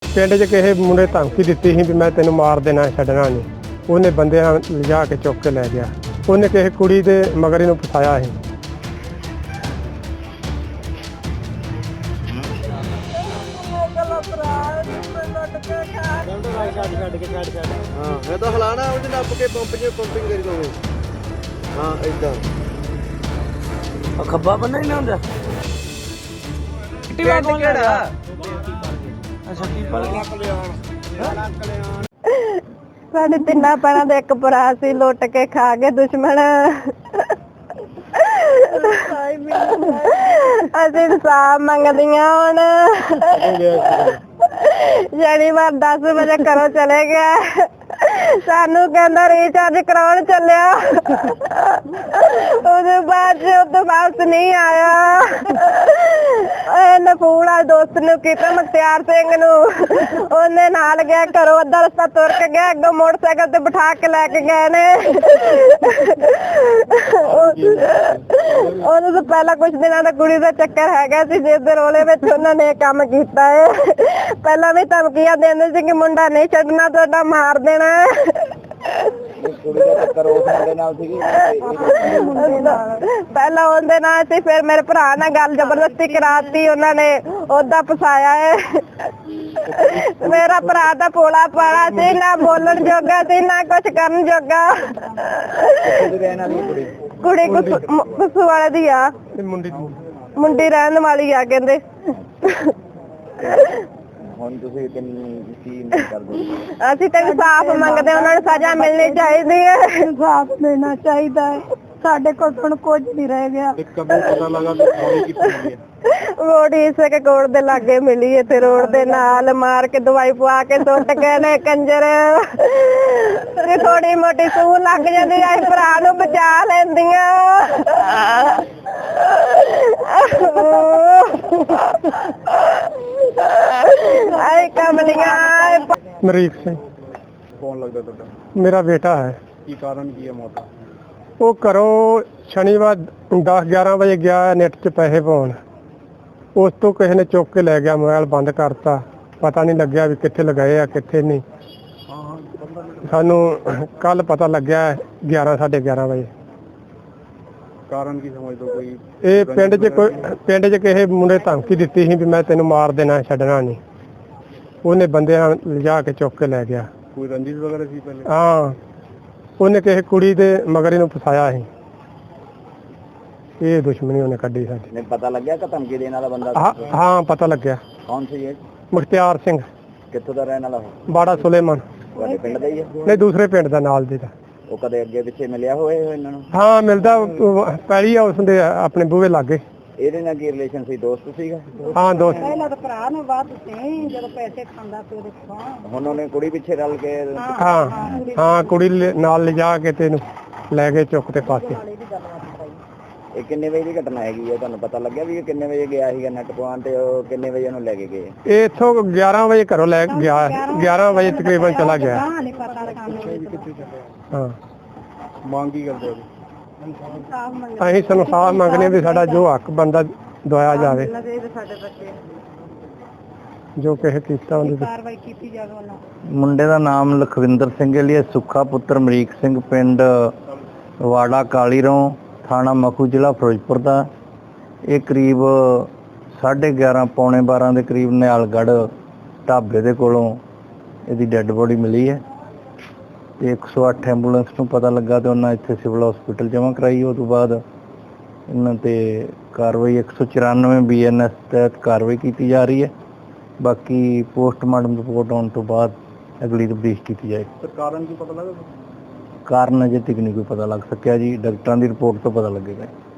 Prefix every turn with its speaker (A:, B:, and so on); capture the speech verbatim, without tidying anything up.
A: ਪਿੰਡ 'ਚ ਕਿਸੇ ਮੁੰਡੇ ਧਮਕੀ ਦਿੱਤੀ ਸੀ ਵੀ ਮੈਂ ਤੈਨੂੰ ਮਾਰ ਦੇਣਾ ਛੱਡਣਾ ਨਹੀਂ। ਉਹਨੇ ਬੰਦਿਆਂ ਲਿਜਾ ਕੇ ਚੁੱਕ ਕੇ ਲੈ ਗਿਆ। ਉਹਨੇ ਕਿਸੇ ਕੁੜੀ ਦੇ ਮਗਰ ਇਹਨੂੰ ਫਸਾਇਆ ਸੀ।
B: हाँ मैं तो हलाना उसे नप के पंप च पंपिंग करी दोगे। हाँ इदा
C: खब्बा बंदा ही ना होंदा टिवा कौन लड़ा अच्छा पीपल
D: ਸਾਡੇ ਤਿੰਨਾਂ ਪੈਰਾਂ ਦੇ ਇੱਕ ਭਰਾ ਸੀ ਲੁੱਟ ਕੇ ਖਾ ਗਏ ਦੁਸ਼ਮਣ। ਅਸੀਂ ਇਨਸਾਫ ਮੰਗਦੀਆਂ ਹੁਣ। ਸ਼ਨੀਵਾਰ ਦਸ ਵਜੇ ਘਰੋਂ ਚਲੇ ਗਿਆ, ਸਾਨੂੰ ਕਹਿੰਦਾ ਰੀਚਾਰਜ ਕਰਾਉਣ ਚੱਲਿਆ। ਉਹਦੇ ਬਾਅਦ ਉਹ ਵਾਪਸ ਨਹੀਂ ਆਇਆ। ਇਹਨੇ ਫੋਨ ਆ ਦੋਸਤ ਨੂੰ ਕੀਤਾ, ਮੁਖਤਿਆਰ ਸਿੰਘ ਨੂੰ, ਉਹਨੇ ਨਾਲ ਗਿਆ ਘਰੋਂ ਅੱਧਾ ਰਸਤਾ ਤੁਰ ਕੇ ਗਿਆ, ਅੱਗੋਂ ਮੋਟਰਸਾਈਕਲ ਤੇ ਬਿਠਾ ਕੇ ਲੈ ਕੇ ਗਏ ਨੇ। ਉਹਨੂੰ ਤਾਂ ਪਹਿਲਾਂ ਕੁਛ ਦਿਨਾਂ ਦਾ ਕੁੜੀ ਦਾ ਚੱਕਰ ਹੈਗਾ ਸੀ, ਜਿਸ ਦੇ ਰੋਲੇ ਵਿੱਚ ਉਹਨਾਂ ਨੇ ਇਹ ਕੰਮ ਕੀਤਾ ਹੈ। ਪਹਿਲਾਂ ਵੀ ਧਮਕੀਆਂ ਦਿੰਦੇ ਸੀ ਕਿ ਮੁੰਡਾ ਨਹੀਂ ਛੱਡਣਾ, ਤੁਹਾਡਾ ਮਾਰ ਦੇਣਾ। ਪਹਿਲਾਂ ਉਹਦੇ ਨਾਲ ਸੀ, ਫਿਰ ਮੇਰੇ ਭਰਾ ਨਾਲ ਗੱਲ ਜ਼ਬਰਦਸਤੀ ਕਰਾਤੀ ਉਹਨਾਂ ਨੇ, ਉਹਦਾ ਫਸਾਇਆ ਹੈ। ਮੇਰਾ ਭਰਾ ਤਾਂ ਭੋਲਾ ਪਾਲਾ ਸੀ, ਨਾ ਬੋਲਣ ਜੋਗਾ ਸੀ ਨਾ ਕੁਛ ਕਰਨ ਜੋਗਾ। ਕੁੜੀ ਕੁਸੂ ਵਾਲੇ ਦੀ ਆ, ਮੁੰਡੀ ਰਹਿਣ ਵਾਲੀ ਆ ਕਹਿੰਦੇ।
B: ਹੁਣ ਤੁਸੀਂ ਕੀ ਕਰਦੇ?
D: ਅਸੀਂ ਤਾਂ ਇਨਸਾਫ ਮੰਗਦੇ, ਉਹਨਾਂ ਨੂੰ ਸਜ਼ਾ ਮਿਲਣੀ ਚਾਹੀਦੀ ਹੈ। ਇਨਸਾਫ ਮਿਲਣਾ ਚਾਹੀਦਾ ਹੈ। ਸਾਡੇ ਕੋਲ ਹੁਣ ਕੁਝ ਨਹੀਂ ਰਹਿ ਗਿਆ। ਬੋਡੀ ਇਸੇ ਕੇ ਕੋੜ ਦੇ ਲਾਗੇ ਮਿਲੀ ਹੈ ਤੇ ਰੋਡ ਦੇ ਨਾਲ ਮਾਰ ਕੇ ਦਵਾਈ ਪਵਾ ਕੇ ਸੁੱਟ ਗਏ ਨੇ ਕੰਜਰ। ਤੇ ਥੋੜੀ ਮੋਟੀ ਸੂਹ ਲੱਗ ਜਾਂਦੀ ਐ, ਭਰਾ ਨੂੰ ਬਚਾ ਲੈਂਦੀਆਂ। ਆਏ ਕਮਲੀਆਂ।
A: ਮਰੀਕ ਸਿੰਘ
B: ਕੌਣ ਲੱਗਦਾ ਤੁਹਾਡਾ?
A: ਮੇਰਾ ਬੇਟਾ ਹੈ।
B: ਕੀ ਕਾਰਨ ਕੀ ਹੈ ਮੌਤ ਦਾ?
A: ਉਹ ਘਰੋਂ ਸ਼ਨੀਵਾਰ ਦਸ ਗਿਆਰਾਂ ਵਜੇ ਗਿਆ ਨੈਟ 'ਚ ਪੈਸੇ ਪਾਉਣ। ਉਸ ਤੋਂ ਕਿਸੇ ਨੇ ਚੁੱਕ ਕੇ ਲੈ ਗਿਆ, ਮੋਬਾਈਲ ਬੰਦ ਕਰਤਾ, ਪਤਾ ਨਹੀਂ ਲੱਗਿਆ ਵੀ ਕਿੱਥੇ ਲਗਾਏ ਆ ਕਿੱਥੇ ਨਹੀਂ। ਸਾਨੂੰ ਕੱਲ ਪਤਾ ਲੱਗਿਆ ਗਿਆਰਾਂ ਸਾਢੇ ਗਿਆਰਾਂ ਵਜੇ।
B: ਕਾਰਨ ਕੀ ਸਮਝਦੇ ਹੋ? ਕੋਈ
A: ਇਹ ਪਿੰਡ 'ਚ ਕੋਈ ਪਿੰਡ 'ਚ ਕਿਸੇ ਮੁੰਡੇ ਧਮਕੀ ਦਿੱਤੀ ਸੀ ਵੀ ਮੈਂ ਤੈਨੂੰ ਮਾਰ ਦੇਣਾ ਛੱਡਣਾ ਨਹੀਂ। ਉਹਨੇ ਬੰਦਿਆਂ ਲਿਜਾ ਕੇ ਚੁੱਕ ਕੇ ਲੈ ਗਿਆ।
B: ਕੋਈ ਰੰਜਿਸ਼ ਵਗੈਰਾ ਸੀ ਪਹਿਲੇ?
A: ਹਾਂ, ਉਹਨੇ ਕਿਸੇ ਕੁੜੀ ਦੇ ਮਗਰ ਇਹਨੂੰ ਫਸਾਇਆ ਸੀ। ਇਹ ਦੁਸ਼ਮਣੀ ਉਹਨੇ ਕੱਢੀ ਸਾਡੀ।
B: ਨਹੀਂ ਪਤਾ ਲੱਗਿਆ ਕਿ ਧਮਕੀ ਦੇਣ ਵਾਲਾ ਬੰਦਾ?
A: ਹਾਂ ਹਾਂ ਪਤਾ ਲੱਗਿਆ।
B: ਕੌਣ ਸੀ ਇਹ?
A: ਮੁਖਤਿਆਰ ਸਿੰਘ।
B: ਕਿੱਥੋਂ ਦਾ ਰਹਿਣ ਵਾਲਾ?
A: ਬਾੜਾ ਸੁਲੇਮਾਨ।
B: ਤੁਹਾਡੇ ਪਿੰਡ ਦਾ ਹੀ ਹੈ?
A: ਨਹੀਂ, ਦੂਸਰੇ ਪਿੰਡ ਦਾ, ਨਾਲ ਦੇ ਦਾ।
B: ਉਹ ਕਦੇ ਅੱਗੇ ਪਿੱਛੇ ਮਿਲਿਆ ਹੋਏ ਇਹਨਾਂ ਨੂੰ?
A: ਹਾਂ ਮਿਲਦਾ, ਪੈਲੀ ਆ ਉਸਦੇ ਆਪਣੇ ਬੂਹੇ ਲਾਗੇ।
B: ਇਹਦੇ ਨਾਲ ਕੀ ਰਿਲੇਸ਼ਨ ਸੀ? ਦੋਸਤ ਸੀਗਾ?
A: ਹਾਂ ਦੋਸਤ।
D: ਪਹਿਲਾਂ ਤਾਂ ਭਰਾ ਨੂੰ ਬਾਤ ਸੀ, ਜਦੋਂ ਪੈਸੇ ਖਾਂਦਾ ਸੀ ਉਹਦੇ ਕੋਲ।
B: ਹੁਣ ਉਹਨੇ ਕੁੜੀ ਪਿੱਛੇ ਰਲ ਕੇ?
A: ਹਾਂ ਹਾਂ, ਕੁੜੀ ਨਾਲ ਲਿਜਾ ਕੇ ਤੇ ਇਹਨੂੰ ਲੈ ਕੇ ਚੁੱਕ ਤੇ ਪਾਸੇ।
B: ਇਹ ਕਿੰਨੇ ਵਜੇ ਦੀ ਘਟਨਾ ਹੈਗੀ ਹੈ? ਤੁਹਾਨੂੰ ਪਤਾ ਲੱਗਿਆ ਵੀ ਇਹ ਕਿੰਨੇ ਵਜੇ ਗਿਆ ਸੀਗਾ ਨੈਟ ਪਵਾਉਣ ਤੇ ਉਹ ਕਿੰਨੇ ਵਜੇ ਉਹਨੂੰ ਲੈ ਕੇ ਗਏ?
A: ਇਹ ਇੱਥੋਂ ਗਿਆਰਾਂ ਵਜੇ ਘਰੋਂ ਲੈ ਗਿਆ, ਗਿਆਰਾਂ ਵਜੇ ਤਕਰੀਬਨ ਚਲਾ ਗਿਆ। ਹਾਂ,
B: ਮੰਗ ਕੀ ਕਰਦੇ ਹੋ?
A: ਅਸੀਂ ਇਨਸਾਫ ਮੰਗਦੇ ਵੀ ਸਾਡਾ ਜੋ ਹੱਕ ਬੰਦਾ ਦਵਾਇਆ ਜਾਵੇ, ਜੋ ਕਿਸੇ ਕੀਤਾ ਉਹਦੀ
D: ਕਾਰਵਾਈ ਕੀਤੀ ਜਾਵੇ।
C: ਮੁੰਡੇ ਦਾ ਨਾਮ ਲਖਵਿੰਦਰ ਸਿੰਘ ਹੈ, ਲਈ ਸੁੱਖਾ ਪੁੱਤਰ ਅਮਰੀਕ ਸਿੰਘ, ਪਿੰਡ ਵਾੜਾ ਕਾਲੀਰੋਂ, ਥਾਣਾ ਮਖੂ, ਜ਼ਿਲ੍ਹਾ ਫਿਰੋਜ਼ਪੁਰ ਦਾ। ਇਹ ਕਰੀਬ ਸਾਢੇ ਗਿਆਰਾਂ ਪੌਣੇ ਬਾਰਾਂ ਦੇ ਕਰੀਬ ਨਿਹਾਲਗੜ੍ਹ ਢਾਬੇ ਦੇ ਕੋਲੋਂ ਇਹਦੀ ਡੈੱਡ ਬੋਡੀ ਮਿਲੀ ਹੈ ਤੇ ਇੱਕ ਸੌ ਅੱਠ ਐਂਬੂਲੈਂਸ ਨੂੰ ਪਤਾ ਲੱਗਾ ਤੇ ਉਹਨਾਂ ਇੱਥੇ ਸਿਵਲ ਹਸਪੀਟਲ ਜਮ੍ਹਾਂ ਕਰਾਈ। ਉਹ ਤੋਂ ਬਾਅਦ ਇਹਨਾਂ ਤੇ ਕਾਰਵਾਈ ਇੱਕ ਸੌ ਚੁਰਾਨਵੇਂ ਬੀ ਐਨ ਐਸ ਤਹਿਤ ਕਾਰਵਾਈ ਕੀਤੀ ਜਾ ਰਹੀ ਹੈ। ਬਾਕੀ ਪੋਸਟਮਾਰਟਮ ਰਿਪੋਰਟ ਆਉਣ ਤੋਂ ਬਾਅਦ ਅਗਲੀ ਤਫਤੀਸ਼ ਕੀਤੀ ਜਾਏਗੀ।
B: ਕਾਰਨ ਕੀ ਪਤਾ ਲੱਗਾ?
C: ਕਾਰਨ ਅਜੇ ਤੱਕ ਨਹੀਂ ਕੋਈ ਪਤਾ ਲੱਗ ਸਕਿਆ ਜੀ, ਡਾਕਟਰਾਂ ਦੀ ਰਿਪੋਰਟ ਤੋਂ ਪਤਾ ਲੱਗੇਗਾ।